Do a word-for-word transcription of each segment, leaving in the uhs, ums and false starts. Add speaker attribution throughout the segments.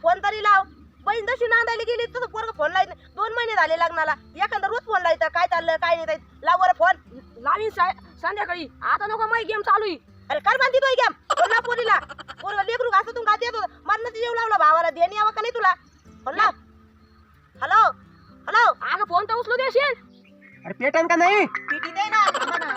Speaker 1: Phone तरी लाव. बहीण जशी नांदायला गेली तसं पोरग फोन लावत नाही. दोन महिने झाले लग्नाला, एखादा रोज फोन लावता काय चाललं काय नाही. लाव बरं फोन.
Speaker 2: लावीन संध्याकाळी, आता नको माही गेम चालू आहे.
Speaker 1: अरे कर बांधी तो गेम बोला पोरीला. पोरग लेकरू घासातून गात येत होतं. मरणाचं जेव लावला भावाला. देणी यावं का नाही तुला? फोन लाव. Hello hello.
Speaker 2: अगं फोन तर उचलू देशील?
Speaker 3: अरे पेटन का नाही?
Speaker 1: पीटी दे ना. थांबा ना.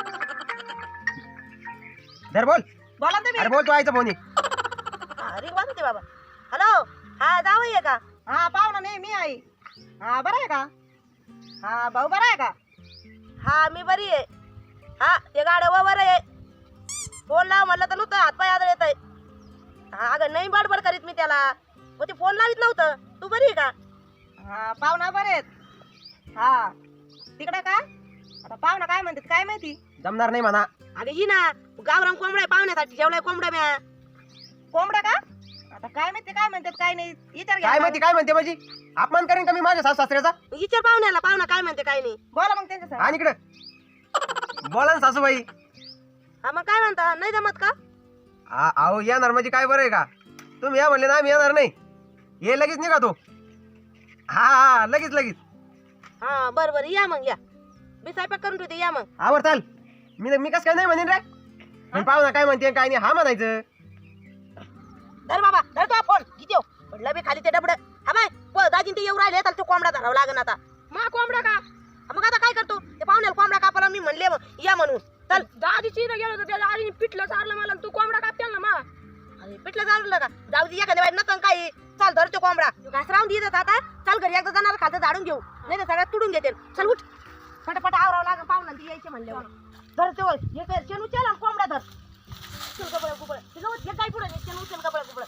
Speaker 3: धर बोल.
Speaker 1: बोला तुम्ही.
Speaker 3: अरे बोल, तू आयचं फोन
Speaker 1: रिंग वाजते बाबा. हॅलो. हा जावई आहे का? हा पाहुणा नाही मी आई. हा बरं आहे का? हा भाऊ बरा आहे का? हा मी बरी आहे. हा ते गाड्या बरं आहे. फोन लाव म्हणलं तर नव्हतं, हातपाय आदळ येत आहे. हा अगं नाही बडबड करीत मी त्याला. मग ते फोन लावित नव्हतं. तू बरी आहे का? हा पाहुणा बरे आहेत. हा तिकडे का? आता पाहुणा काय म्हणतात काय माहिती.
Speaker 3: जमणार नाही म्हणा.
Speaker 1: अगं ही ना गावराम कोंबडा आहे पाहुण्यासाठी. जेवलाय कोंबडा म्या. कोंबडा का? आता काय माहिती काय म्हणतात काय नाही. विचार
Speaker 3: काय माहिती काय म्हणते माझी? अपमान करेन का मी माझ्या सासू सासऱ्याचा?
Speaker 1: विचार पाहुण्याला. पाहुणा काय म्हणते काय नाही. बोला मग त्यांच्या.
Speaker 3: आणि इकडे बोला ना सासूबाई.
Speaker 1: हा मग काय म्हणता नाही जमत का?
Speaker 3: आ- अहो येणार म्हणजे काय बरं आहे का? तुम्ही या म्हणले ना, आम्ही येणार नाही. ये लगेच निघा तो. हा हा लगेच लगेच.
Speaker 1: हा बरं बरं या मग या. मी स्वयंपाक करून ठेवते या मग.
Speaker 3: आवर चाल. मी मी कसं काय नाही म्हणेन रे. पण पाहुणा काय म्हणते काय नाही हा म्हणायचं.
Speaker 1: धर बाबा धर तो फोन. किती पडलं बी खाली ते डबड. हा बाय दाजीन ते येऊ राहिले तर तो कोंबडा धरावा लागेल आता.
Speaker 2: मा कोंबडा का?
Speaker 1: मग आता काय करतो ते पाहुण्याला कोंबडा कापाला मी म्हणले मग या म्हणून. चल.
Speaker 2: दाजीची इथं गेलो तर त्याच्या आईने पिठलं चारलं मला. तू कोंबडा कापतेल ना मा?
Speaker 1: अरे पिठलं चाललं का? जाऊ दे एखाद्या बाई नसन काही. चल धर तो कोंबडा. घास राहून देत आता. चल घरी एकदा जाणार खालचं झाडून घेऊ नाही तर सगळ्यात तुडून घेते. चल उठ. फटाफट आवरावं लागेल पाहुणा ती यायचे म्हणल्यावर. धर ते हे कर शेण उचल आणि कोंबडा धर. चल गबळ गुबळ हे जाऊ हे काय पुढे शेण उचल गबळ गुबळ.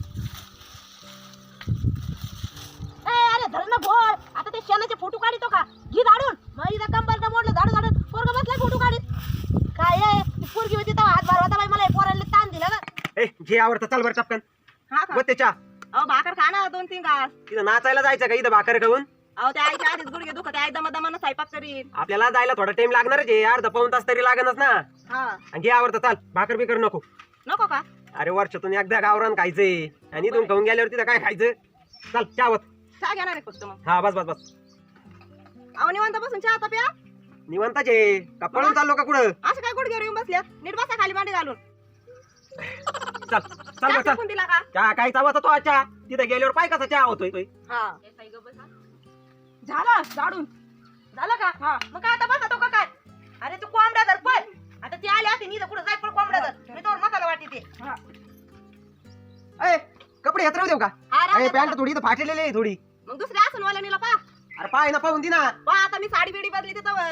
Speaker 1: ए अरे धर ना भोळ. आता ते शेणाचे फोटो काढतो का? घे झाडून. मग इथं कंबरचं मोडलं झाडू झाडून पोरग बसलाय फोटो काढीत. काय आहे ती पोरगी होती तेव्हा हात भरवता बाई मला पोरांना ताण दिला ना.
Speaker 3: ए घे आवडतं चल बरं टपकन.
Speaker 1: हा
Speaker 3: व त्याच्या
Speaker 1: अहो भाकर खा ना दोन तीन घास.
Speaker 3: तिथं नाचायला जायचं का इथं भाकर खाऊन?
Speaker 1: अहो त्या आईच्या आधीच गुडघे दुखत आहे. दमा दमानं स्वयंपाक करीन.
Speaker 3: आपल्याला जायला थोडा टाइम लागणारच आहे. अर्धा पाऊण तास तरी लागणच ना.
Speaker 1: हा
Speaker 3: आणि घे आवडतं चाल. भाकर बिकर नको.
Speaker 1: नको का?
Speaker 3: अरे वर्षातून एकदा गावरान खायचंय आणि इथून खाऊन गेल्यावर तिथं काय खायचं? चल चावत.
Speaker 1: चहा घेणार आहे फक्त मग.
Speaker 3: हा बस बस बस.
Speaker 1: अहो निवांत बसून चहा आता प्या.
Speaker 3: निवांताच आहे का पळून चाललो का कुठं?
Speaker 1: असं काय गुडघ्यावर येऊन बसल्यात. नीट बसा खाली मांडी घालून.
Speaker 3: चल चल
Speaker 1: चहा
Speaker 3: बस चल.
Speaker 1: टाकून दिला का?
Speaker 3: चहा काय चावाचा तो चहा तिथं गेल्यावर पाय कसा चहा होतोय तो.
Speaker 1: हा झालं झाडून झालं का? हा मग काय आता बसा तो का काय? अरे तू कोंबड्या धर पण. आता ती आली असते नी कुठं जाय पण कोंबड्या धर. मी तोवर मसाला वाटी ते.
Speaker 3: ए कपडे हेत राहू देऊ का?
Speaker 1: हा, राहू
Speaker 3: अरे
Speaker 1: दे.
Speaker 3: पॅन्ट थोडी इथं फाटलेली आहे थोडी.
Speaker 1: मग दुसऱ्या असून वाला नीला पा.
Speaker 3: अरे पाय ना पाहून दे ना.
Speaker 1: पा आता मी साडी बिडी बदली त्यावर.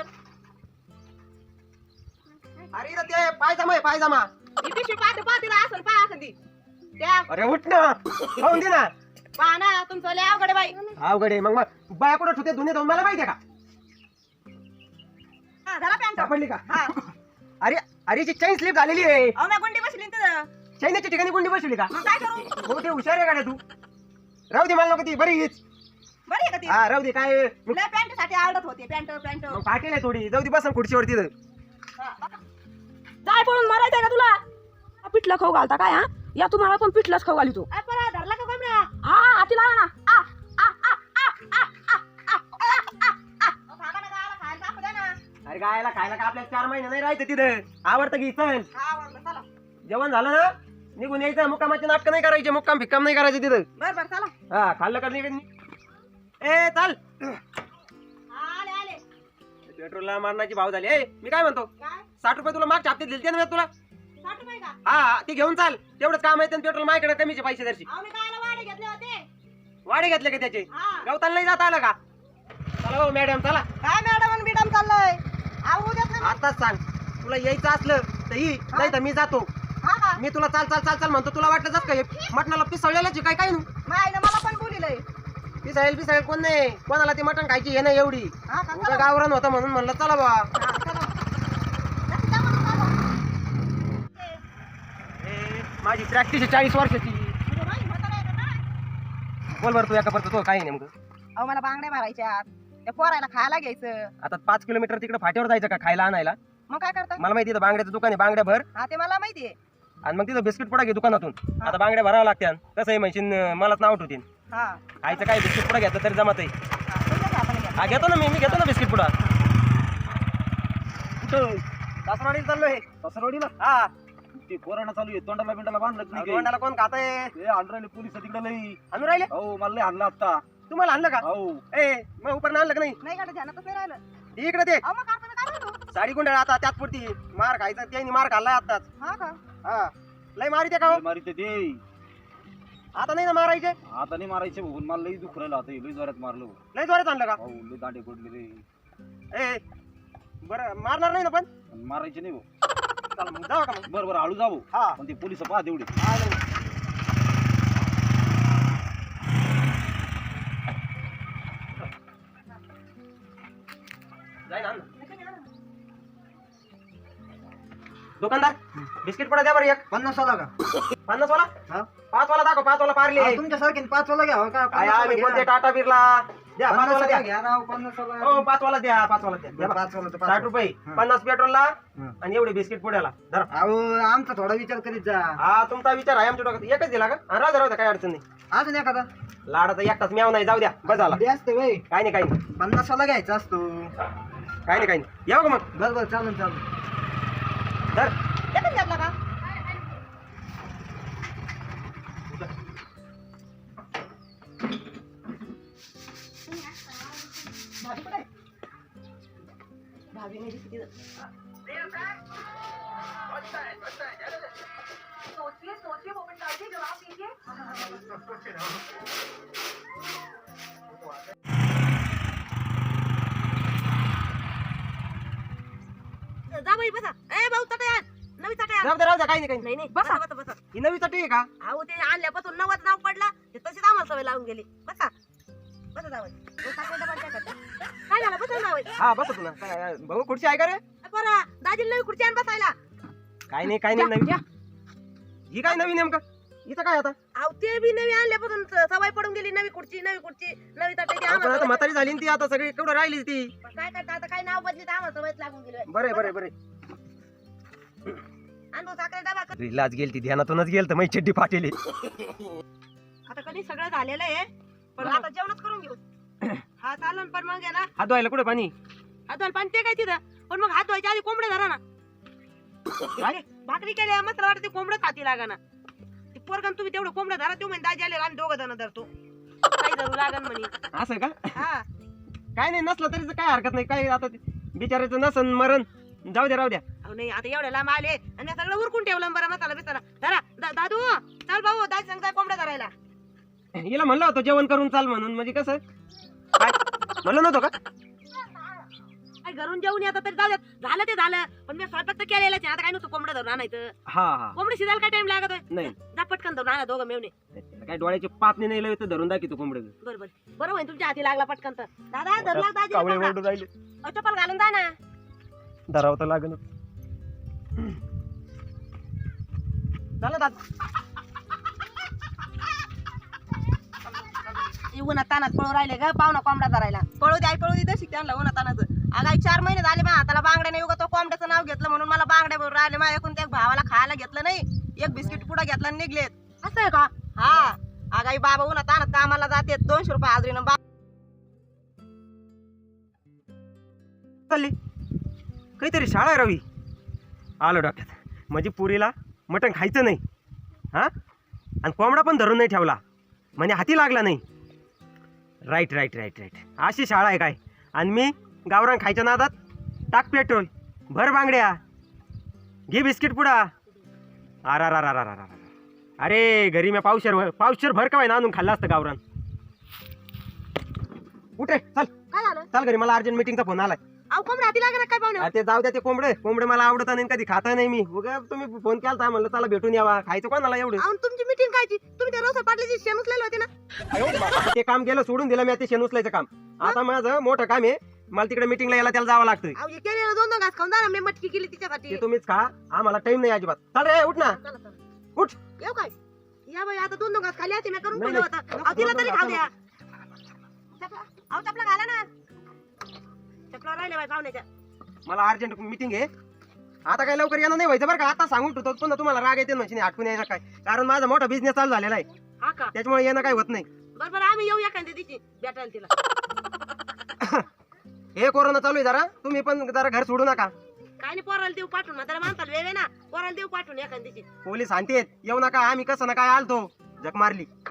Speaker 3: अरे इथं ते पायजामा आहे पायजामा.
Speaker 1: ही पिशवी पाहते पा तिला असून पा असं ती. त्या
Speaker 3: अरे उठ ना पाहून दे ना.
Speaker 1: पहा ना तुमचं लय अवघड आहे बाई.
Speaker 3: अवघड आहे. मग मग बाया कुठं ठेवते धुणे धुवून मला माहिती आहे का?
Speaker 1: हा झाला पॅन्ट.
Speaker 3: सापडली का?
Speaker 1: हा
Speaker 3: अरे अरे ची चैन स्लिप झालेली आहे.
Speaker 1: अहो मी गुंडी बसली ना तिथं.
Speaker 3: चैनीच्या ठिकाणी गुंडी बसवली का?
Speaker 1: मग काय करू?
Speaker 3: हो ते हुशार आहे का तू? राहू दे मला नको ती बरी हीच.
Speaker 1: बरी आहे का ती?
Speaker 3: हा राहू दे काय मग
Speaker 1: लय पॅन्ट साठी आवडत होते पॅन्ट पॅन्ट.
Speaker 3: फाटेल आहे थोडी. जाऊ दे बसन खुर्चीवर तिथं.
Speaker 2: जाय पळून मारायचंय का तुला? हा, पिठलं खाऊ घालता काय? हा या तुम्हाला पण पिठलंच खाऊ घाली तू.
Speaker 1: आपण धरला का कोंबड्या?
Speaker 2: हा हाती लावा ना. आ, आ, आ, आ, आ, आ, आ, आ, आ, आ.
Speaker 1: अहो, थांबा ना गावाला खायला टाकू द्या ना.
Speaker 3: अरे गायला खायला का आपल्याला चार महिने नाही राहायचं तिथं. आवडतं की चल
Speaker 1: हा आवडलं चला.
Speaker 3: जेवण झालं ना निघून यायचं. मुक्कामाचे नाटक नाही करायचे. मुक्काम फिक्काम नाही करायचं तिथं.
Speaker 1: बर बर चला.
Speaker 3: हा खाल्लं का नाही? ए चाल.
Speaker 1: आले आले.
Speaker 3: पेट्रोलला मारण्याची भाव झाली. ए मी काय म्हणतो
Speaker 1: काय?
Speaker 3: साठ रुपये तुला मागच्या हप्त्यात दिलते ना मी तुला.
Speaker 1: साठ रुपये का?
Speaker 3: हा ती घेऊन चाल. तेवढंच काम आहे. पेट्रोल माझ्याकडे कमीचे पैसे दर्शी.
Speaker 1: अहो मी कायला वाडे घेतले होते.
Speaker 3: वाढे घेतले का त्याचे?
Speaker 1: हा.
Speaker 3: गवताला नाही जाता आलं का? चला भाऊ मॅडम चला.
Speaker 1: काय मॅडम बिडम चाललंय? आऊ देत नाही.
Speaker 3: आताच सांग तुला यायचं असलं तर ही नाही तर मी जातो.
Speaker 1: हा का?
Speaker 3: मी तुला चाल चाल चाल चाल म्हणतो. तुला वाटलं जात काय मटणाला पिसळलेलं काय काय
Speaker 1: मायनं मला पण बोलिलंय.
Speaker 3: पिसाळेल पिसाळेल कोण नाही. कोणाला ती मटण खायची हे नाही एवढी.
Speaker 1: हा का?
Speaker 3: उगा गावरान होतं म्हणून म्हणलं चला बा.
Speaker 1: हा, चला. जास्त जा म्हणून चालू.
Speaker 3: ए, माझी प्रॅक्टिस आहे चाळीस वर्षाची.
Speaker 1: अरे बाई, म्हातारं आहे का काय?
Speaker 3: बोल बरं तू एका परत तो काय नेमकं?
Speaker 1: अहो मला बांगड्या मारायच्या. त्या पोरायला खायला घ्यायचं.
Speaker 3: आता पाच किलोमीटर तिकडे फाट्यावर जायचं का खायला आणायला?
Speaker 1: मग काय करता?
Speaker 3: मला माहिती आहे बांगड्याचं दुकान आहे. बांगड्या भर
Speaker 1: हा ते मला माहितीये.
Speaker 3: आणि मग तिथं बिस्किट पुडा घे दुकानातून. आता बांगड्या भरावं लागत्या. कसं आहे म्हणशील मलाच नाव ठेवतील.
Speaker 1: हा
Speaker 3: खायचं काय बिस्किट पुडा घेतलं तरी जमत आहे.
Speaker 1: हा, तुमच्या घ्या, आपण घ्या.
Speaker 3: हा घेतो ना मी मी घेतो ना बिस्किट पुडा. सासरवाडीला चाललोय.
Speaker 4: सासरवाडीला
Speaker 3: हा
Speaker 4: ते कोरोना चालू आहे, तोंडाला बिंडाला बांधलं नाही काही.
Speaker 3: तोंडाला कोण खातंय?
Speaker 4: हे आणून राहिले पोलीस तिकडे लई.
Speaker 3: आणून राहिले?
Speaker 4: हो मला लई आणलं आता.
Speaker 3: तुम्हाला आणलं का?
Speaker 4: हो
Speaker 3: ए मग उपरण आणलं का नाही?
Speaker 1: नाही गाडी ध्यानातच नाही राहिलं.
Speaker 3: इकडे ते
Speaker 1: अहो, मग आपण काय म्हणतो?
Speaker 3: साडी गुंडाळ आता त्यात पुरती मार खायचा त्यांनी मार खाल्लाय आताच.
Speaker 1: हा का?
Speaker 3: हा लय मारी ते का हो?
Speaker 4: मारी ते दे
Speaker 3: आता नाही ना मारायचे.
Speaker 4: आता नाही मारायचे बघून मला लई दुख राहिलं आता. लई जोरात मारलो.
Speaker 3: लय जोरात आणलं का?
Speaker 4: हो लई दांडे पडले रे.
Speaker 3: ए बरं मारणार नाही ना पण?
Speaker 4: पण मारायचे नाही भाऊ.
Speaker 3: चला मग जाऊ का मग?
Speaker 4: बरं बरं हळू जाऊ.
Speaker 3: हा
Speaker 4: पण ते पोलिस पहा तेवढे.
Speaker 3: हा, नाही. जाय ना, आण ना. दुकानदार बिस्किट पडा द्या बरं एक.
Speaker 5: पन्नास वाला का?
Speaker 3: पन्नास वाला
Speaker 5: हा?
Speaker 3: पाच वाला दाखव. पाच वाला पारले.
Speaker 5: अहो, तुमच्यासारखे पाच वाला घ्यावं का?
Speaker 3: काय
Speaker 5: पन्नास
Speaker 3: आम्ही
Speaker 5: वाला
Speaker 3: कोणते
Speaker 5: घ्या.
Speaker 3: टाटा बिर्ला द्या. पाच
Speaker 5: पन्नास
Speaker 3: वाला द्या.
Speaker 5: वाला घ्या राव, पन्नास वाला.
Speaker 3: हो पाच वाला द्या. पाच वाला द्या. द्या
Speaker 5: बरं,
Speaker 3: बा.
Speaker 5: पाच वाला तर पाच
Speaker 3: साठ
Speaker 5: वाला.
Speaker 3: रुपये
Speaker 5: हा.
Speaker 3: पन्नास पेट्रोलला
Speaker 5: हा.
Speaker 3: आणि एवढे बिस्किट पुड्याला धरा.
Speaker 5: अहो आमचा थोडा विचार करीत जा.
Speaker 3: हा तुमचा विचार आहे आमच्या डोक्यात. एकच दिला का? हा, राहू द्या राहू द्या काय अडचण नाही.
Speaker 5: अजून एखादा
Speaker 3: लाडाचा एकटाच म्याव नाही. जाऊ द्या बस झाला.
Speaker 5: ते असते वय
Speaker 3: काय नाही काय नाही
Speaker 5: पन्नास वाला घ्यायचा असतो.
Speaker 3: काय नाही काय नाही. येऊ का मग?
Speaker 5: बरं बरं चालून चालून.
Speaker 3: धर.
Speaker 1: एकच घेतला का? भाभी कुठे आहे? भाभी नाही दिसत तिथं.
Speaker 2: सोचिए सोचिए वो मिनट डालिए जवाब दीजिए.
Speaker 1: जा बाई बसा. ए भाऊ चटई आण. नवी चटई आण.
Speaker 3: राहू द्या राहू द्या काही नाही काही नाही.
Speaker 1: नाही नाही बसा बसा बसा.
Speaker 3: ही नवी चटई आहे का?
Speaker 1: अहो ते आणल्यापासून नवच नाव पडला ते तशीच आम्हाला सवय लावून गेली. बसा बसा जावं. काय झालं? बसा जावं.
Speaker 3: हा बस तुला काय भाऊ खुर्ची आहे का रे?
Speaker 1: बरं दाजीला नवी खुर्ची आण बसायला.
Speaker 3: काय नाही काय नाही नवी. ही काय नवी नेमकं? इथं काय आता?
Speaker 1: अहो ते बी नवी आणल्यापासून स- सवय पडून गेली. नवी खुर्ची नवी खुर्ची नवी चटई ते
Speaker 3: आपण
Speaker 1: आम्हाला
Speaker 3: आता
Speaker 1: सवय-
Speaker 3: म्हातारी झाली ना ती आता सगळी केवढं राहिली ती.
Speaker 1: पण काय करता आता काय नाव बदली तर आम्हाला सवयच लागून गेली.
Speaker 3: बरे बरे बरे
Speaker 1: आण भाऊ साखरे डबा कर.
Speaker 3: लाज गेल ती ध्यानातूनच गेल तर मै चड्डी फाटेली.
Speaker 1: आता कधी सगळं झालेलं आहे पण आता जेवणच करून घेऊ. हा चालन पण मग आहे ना
Speaker 3: हात धुवायला कुठे पाणी?
Speaker 1: हात धुवायला पाणी ते काय तिथं पण मग हात धुवायच्या आधी कोंबडे धरा ना.
Speaker 3: काय?
Speaker 1: भाकरी केली मस्त वाटत ते कोंबडच हाती लागा ना. ते पोरगण तुम्ही तेवढं कोंबडं धरा तो म्हणजे दाजी आले आणि दोघं जण धरतो काही धरू लागन म्हणे.
Speaker 3: असं का?
Speaker 1: हा
Speaker 3: काय नाही नसलं तरी काय हरकत नाही. काय आता ते बिचारायचं नसन मरण जाऊ द्या राहू द्या.
Speaker 1: अहो नाही आता एवढ्या लांब आले आणि सगळं उरकून ठेवलं बरं मसाला बिसाला धरा. दा- दादू चल भाऊ दाजी सांगताय कोंबड्या धरायला.
Speaker 3: हिला म्हणलं होतं जेवण करून चाल म्हणून. म्हणजे कसं काय म्हणलं नव्हतं का?
Speaker 1: काय घरून जेवून येतात तरी जाऊ द्यात. झालं ते झालं पण मी स्वयंपाक तर केलेलाच आहे. आता काय नव्हतं कोंबडं धरून आणायचं.
Speaker 3: हा हा
Speaker 1: कोंबडी शिजायला काय टाइम लागत
Speaker 3: नाही
Speaker 1: जा पटकन धरून आणा दोघं मेवणे.
Speaker 3: काय डोळ्याची पापणी नाही लावत धरून दाखवतो कोंबड.
Speaker 1: बरं बरं बरं होईल तुमच्या हाती लागला पटकन तर. दादा धरला दाजी
Speaker 3: कावळे ओरडून राहिले.
Speaker 1: चप्पल घालून जा ना.
Speaker 3: धरावं तर लागेल. झालं दादा.
Speaker 1: उन्हात तानात पळू राहिले ग पाहुणा कोंबडा धरायला. पळू दे आई पळू दे शिक त्यांना उन्हात तानाचं. अगाई चार महिने झाले बा हाताला बांगड्या नाही. उगा तो कोंबड्याचं नाव घेतलं म्हणून मला बांगड्या भरून राहिले. माझ्याकडून त्या भावाला खायला घेतलं नाही. एक बिस्किट पुडा घेतला आणि निघलेत. असं आहे का? हा अगाई बाबा उन्हात तानात कामाला जाते दोनशे रुपये हाजरीनं. बा
Speaker 3: चालली काहीतरी शाळा आहे रवी. आलो डोक्यात. म्हणजे पुरीला मटण खायचं नाही हा आणि कोंबडा पण धरून नाही ठेवला म्हणजे हाती लागला नाही. राईट राईट राईट राईट अशी शाळा आहे काय? आणि मी गावरान खायच्या नादात टाक पेट्रोल भर बांगड्या घे बिस्किट पुडा. आरा रा रा रा रा रा अरे घरी मी पावशेर पावशेर भर का आणून खाल्ला असतं गावरान. उठे चल
Speaker 1: काय झालं?
Speaker 3: चल घरी मला अर्जंट मीटिंगचा फोन आलाय.
Speaker 1: अहो कोंबड्या हाती लागणार काय पाहुणे?
Speaker 3: अरे ते जाऊ द्या ते कोंबडे कोंबडे मला आवडत नाही कधी खाता नाही मी. उगा तुम्ही फोन केला म्हणलं चला भेटून यावा. खायचं कोणाला एवढं?
Speaker 1: अहो तुमची मीटिंग कायची? तुम्ही त्या रोसा पाटलाची शेण उचलेली होती ना.
Speaker 3: ते काम गेलं सोडून दिलं मी ते शेण उचलायचं काम. आता माझं मोठं काम आहे. मला तिकडे मीटिंगला यायला त्याला जावं लागतं.
Speaker 1: अहो हे केलेलं दोन दोन घास खाऊन जा ना. मी मटकी केली तिच्यासाठी.
Speaker 3: ते तुम्हीच खा. आम्हाला टाइम नाही अजिबात. चल रे उठ ना
Speaker 1: चला, चला.
Speaker 3: उठ.
Speaker 1: येऊ काय? या बाई आता दोन दोन घास खाली होती मी करून
Speaker 3: नाही,
Speaker 1: ठेवलं
Speaker 3: नाही.
Speaker 1: होतं. अहो तिला तरी
Speaker 3: दोन-दोन
Speaker 1: खाऊ
Speaker 3: घास
Speaker 1: द्या. चपला अहो चपला घाला ना. चपला राहिले बाई पाहुण्याच्या.
Speaker 3: मला अर्जंट मीटिंग आहे आता काय लवकर येणं नाही व्हायचं बरं का. आता सांगून ठेवतो पुन्हा तुम्हाला राग येते म्हणजे नाही आठवून यायचा काय. कारण माझा मोठा बिझनेस चालू झालेला आहे,
Speaker 1: हा का?
Speaker 3: त्याच्यामुळे येणं काय होत नाही.
Speaker 1: बरं बरं आम्ही येऊ एखाद्या दिवशी भेटायला तिला.
Speaker 3: हे कोरोना चालू आहे जरा, तुम्ही पण जरा घर सोडू नका.
Speaker 1: काय नाही पोराला देऊ पाठवून त्याला माणसाला वेळ आहे ना, पोराला देऊ पाठवून एखाद्या दिवशी.
Speaker 3: पोलीस आणतेत येऊ नका. आम्ही कसं ना काय आलतो जग मारली.